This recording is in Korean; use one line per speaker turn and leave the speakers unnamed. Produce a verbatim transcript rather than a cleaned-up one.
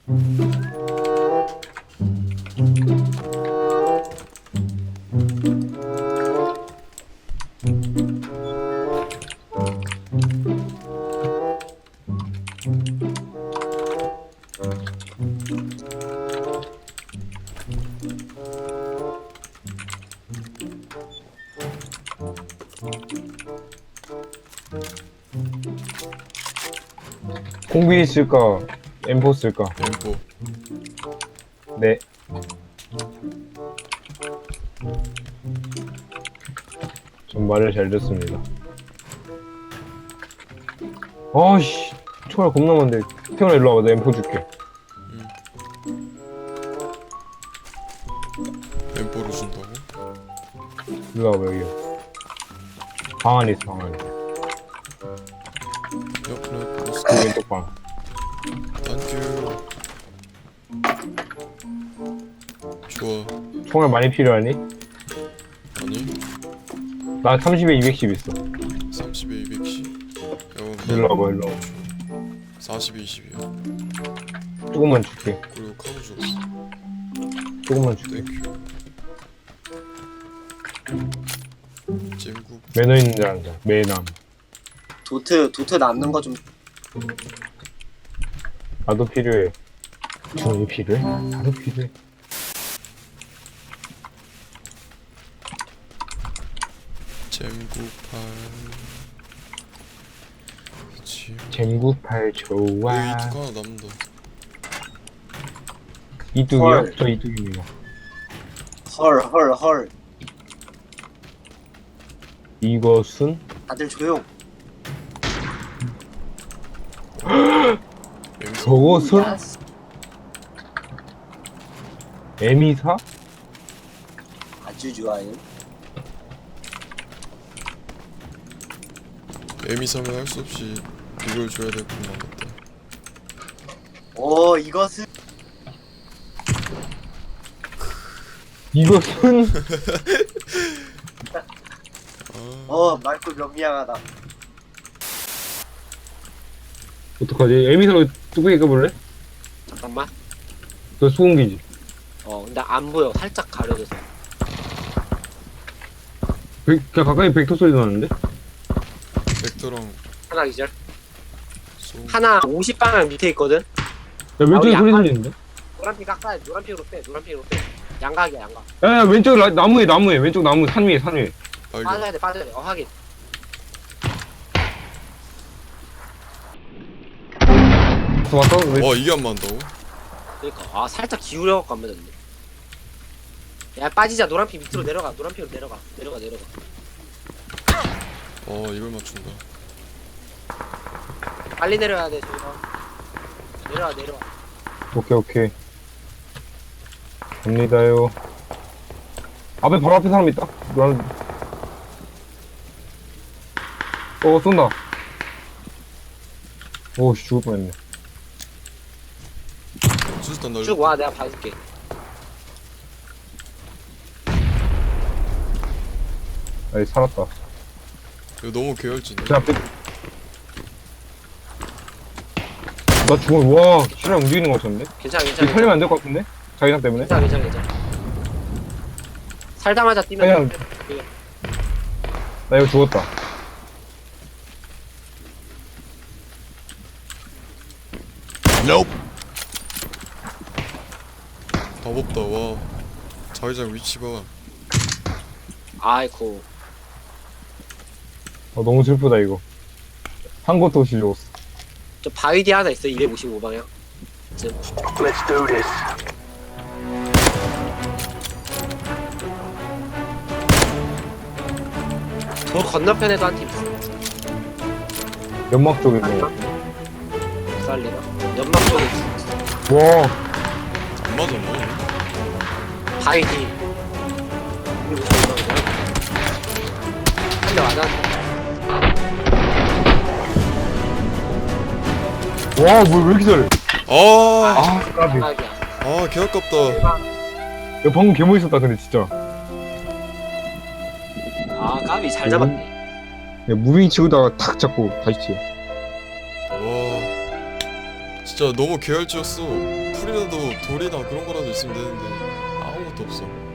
공비 쓸까? 엠포 쓸까?
엠포.
네. 전 말을 잘 듣습니다. 아씨, 총알 겁나 많은데. 태어나 일로 와봐, 내가 엠포 줄게.
엠포를 준다고?
일로 와봐, 여기. 방 안에 있어, 방 안에.
옆에 보스.
그 왼쪽 방.
땡큐. 좋아.
총알 많이 필요하니?
아니
나 삼십에 이백십 있어.
삼십에 이백십.
일로 와봐, 일로 와봐.
사십에 이십이야.
조금만 줄게.
그리고 카드 줘.
조금만 줄게.
땡큐. 잼국.
매너 있는 줄 안다. 매남.
도트 도트 남는 거 좀.
나도 필요해. 총이 필요해? 나도 필요해.
잼국팔. 그치.
잼구팔 좋아.
여기 이특 하나 남는다.
이뚝이요?
헐.
저 이뚝입니다.
헐 헐 헐.
이것은?
다들 조용.
엠포.
저것은? 에미사?
아주 좋아요.
에미사면 할 수 없이 이걸 줘야 될 것만 같다.
오 이것은
이것은?
아,
어 맑고 명미양하다.
어떡하지? 에미사로 뚜껑이 까볼래?
잠깐만.
너 수공기지?
어, 근데 안 보여. 살짝 가려져서.
백, 그냥 가까이 벡터 소리 나는데?
벡터랑
하나 기절.
소.
하나 오십 방향 밑에 있거든.
야, 왼쪽에
아,
소리
약간-
들리는데?
노란핑 깎아야 돼. 노란핑으로 빼. 노란핑으로 빼. 양각이야, 양각.
야, 야, 왼쪽 라, 나무에, 나무에, 왼쪽 나무, 산 위에, 산 위에.
발견.
빠져야 돼, 빠져야 돼. 어, 하긴.
또 왔어? 왜?
와 이게 안 맞는다고?
그러니까 아 살짝 기울여갖고 안 맞았네. 야 빠지자. 노란핑 밑으로 내려가. 노란핑으로 내려가. 내려가, 내려가.
어 이걸 맞춘다.
빨리 내려야 돼, 저기서. 내려와, 내려와.
오케이, 오케이. 갑니다요. 앞에, 바로 앞에 사람 있다. 노란. 어, 쏜다. 오씨, 죽을 뻔했네.
수류탄 날려.
쭉 와, 내가 봐줄게.
아이, 살았다.
이거 너무 계열진데.
제 앞에. 나 죽어. 와, 실랑 움직이는 거 같은데?
괜찮아,
이
괜찮아.
살리면 안 될 것 같은데? 자기장 때문에?
괜찮아, 괜찮아, 괜찮아. 살다마자 뛰면
그냥-
돼.
나 이거 죽었다.
답 없다. 와. 자기장 위치 봐.
아이고.
어, 너무 슬프다, 이거. 한 것도 없이 죽었어.
저 바위 뒤에 하나 있어. 이백오십오 방향. 지금.
Let's do this.
저 건너편에도 한 팀 있어.
연막 쪽에 뭐.
살리나? 연막 쪽에 있어.
와,
안 맞았나?
바위 뒤. 이백오십오 방향. 한대 맞아.
와, 뭐, 왜 이렇게 잘해?
아,
아, 까비. 야,
대박이야.
아, 개 아깝다.
방금 개 멋있었다, 근데 진짜.
아 까비 잘 잡았네.
야, 무빙 치우다가 탁 잡고 다시 치워.
와, 진짜 너무 계열지였어. 풀이라도 돌이나 그런 거라도 있으면 되는데 아무것도 없어.